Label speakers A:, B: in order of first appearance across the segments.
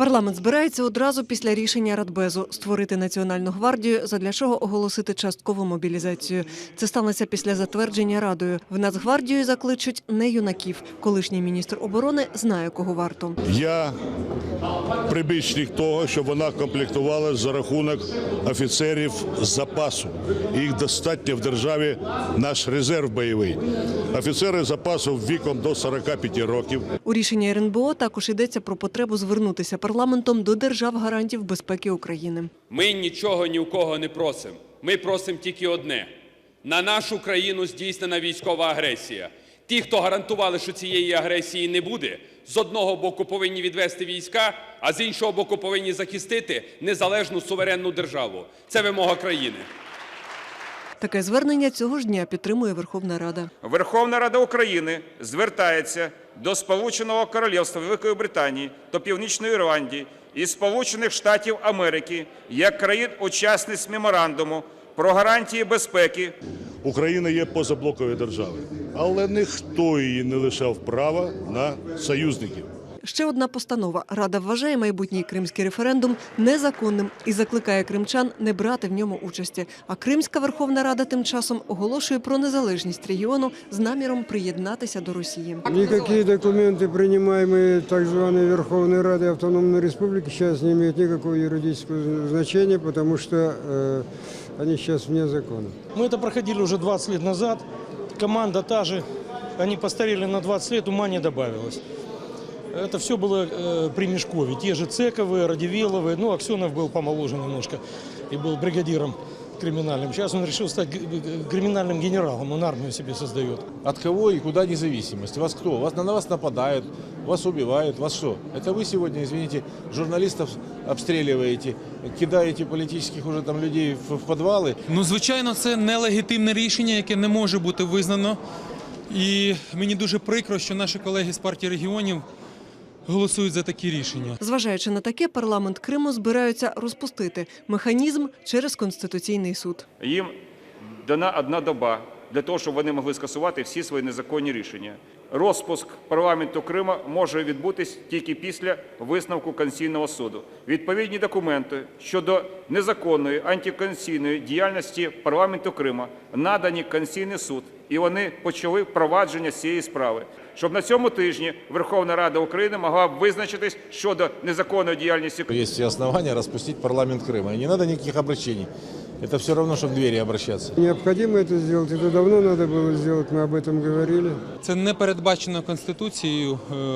A: Парламент збирається одразу після рішення Радбезу створити Національну гвардію, задля чого оголосити часткову мобілізацію. Це станеться після затвердження Радою. В Нацгвардію закличуть не юнаків. Колишній міністр оборони знає, кого варто.
B: Я прибічник того, щоб вона комплектувалася за рахунок офіцерів запасу. Їх достатньо в державі наш резерв бойовий. Офіцери запасу віком до 45 років.
A: У рішенні РНБО також йдеться про потребу звернутися парламентом до держав-гарантів безпеки України.
C: Ми нічого ні у кого не просимо. Ми просимо тільки одне – на нашу країну здійснена військова агресія. Ті, хто гарантували, що цієї агресії не буде, з одного боку повинні відвести війська, а з іншого боку повинні захистити незалежну суверенну державу. Це вимога країни.
A: Таке звернення цього ж дня підтримує Верховна Рада.
D: Верховна Рада України звертається до Сполученого Королівства Великої Британії та Північної Ірландії і Сполучених Штатів Америки як країн-учасниць меморандуму про гарантії безпеки.
B: Україна є позаблоковою державою, але ніхто її не лишав права на союзників.
A: Ще одна постанова. Рада вважає майбутній кримський референдум незаконним і закликає кримчан не брати в ньому участі. А Кримська Верховна Рада тим часом оголошує про незалежність регіону з наміром приєднатися до Росії.
E: Никакие документы, принимаемые так званой Верховной Радой Автономной Республики, сейчас не имеют никакого юридического значения, потому что они сейчас вне закона.
F: Мы это проходили уже 20 лет назад. Команда та же. Они постарели на 20 лет, ума не добавилось. Это все было при Мешкове. Те же Цековы, Радивиловы. Ну, Аксенов был помоложе немножко и был бригадиром криминальным. Сейчас он решил стать криминальным генералом. Он армию себе создает.
G: От кого и куда независимость? Вас кто? На вас нападают, вас убивают. Вас что? Это вы сегодня, извините, журналистов обстреливаете, кидаете политических уже там людей в подвали?
H: Ну, звичайно, це нелегітимне рішення, яке не може бути визнано. І мені дуже прикро, що наші колеги з партії регіонів голосують за такі рішення.
A: Зважаючи на таке, парламент Криму збираються розпустити механізм через Конституційний суд.
D: Їм дана одна доба для того, щоб вони могли скасувати всі свої незаконні рішення. Розпуск парламенту Криму може відбутись тільки після висновку Конституційного суду. Відповідні документи щодо незаконної антиконституційної діяльності парламенту Криму надані в Конституційний суд, і вони почали впровадження цієї справи. Щоб на цьому тижні Верховна Рада України могла б визначитись щодо незаконної діяльності.
G: Есть все основания распустить парламент Крыма. И не надо никаких обращений. Это все равно, что к двери обращаться.
E: Необходимо это сделать, это давно надо было сделать, мы об этом говорили.
H: Це не передбачено Конституцією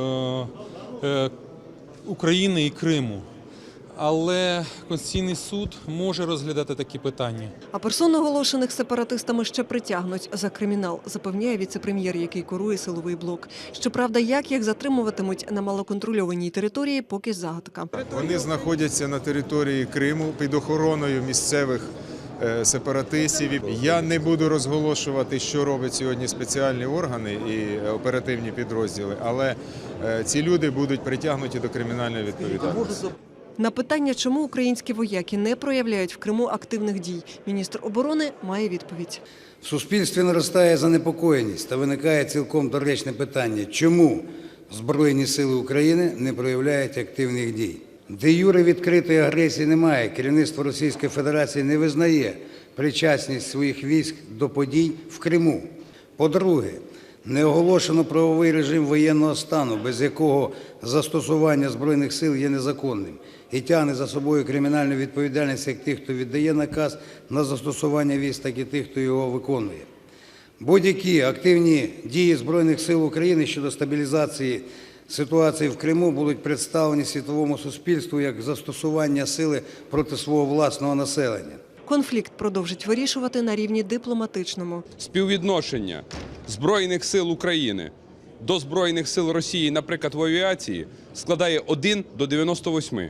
H: України і Криму. Але Конституційний суд може розглядати такі питання.
A: А персон, оголошених сепаратистами, ще притягнуть за кримінал, запевняє віце-прем'єр, який курує силовий блок. Щоправда, як їх затримуватимуть на малоконтрольованій території, поки загадка.
I: Вони знаходяться на території Криму під охороною місцевих сепаратистів. Я не буду розголошувати, що роблять сьогодні спеціальні органи і оперативні підрозділи, але ці люди будуть притягнуті до кримінальної відповідальності.
A: На питання, чому українські вояки не проявляють в Криму активних дій, міністр оборони має відповідь.
J: В суспільстві наростає занепокоєність та виникає цілком доречне питання, чому Збройні сили України не проявляють активних дій. Де юре відкритої агресії немає, керівництво Російської Федерації не визнає причасність своїх військ до подій в Криму. По-друге, не оголошено правовий режим воєнного стану, без якого застосування Збройних сил є незаконним і тягне за собою кримінальну відповідальність як тих, хто віддає наказ на застосування військ, так і тих, хто його виконує. Будь-які активні дії Збройних сил України щодо стабілізації ситуації в Криму будуть представлені світовому суспільству як застосування сили проти свого власного населення.
A: Конфлікт продовжить вирішувати на рівні дипломатичному.
C: Співвідношення Збройних сил України до Збройних сил Росії, наприклад, в авіації, складає 1 до 98.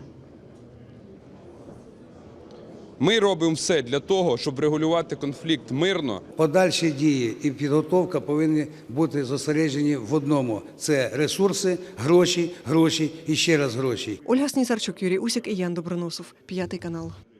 C: Ми робимо все для того, щоб регулювати конфлікт мирно.
J: Подальші дії і підготовка повинні бути зосереджені в одному – це ресурси, гроші, гроші і ще раз гроші.
A: Ольга Снісарчук, Юрій Усік і Ян Доброносов. 5 канал.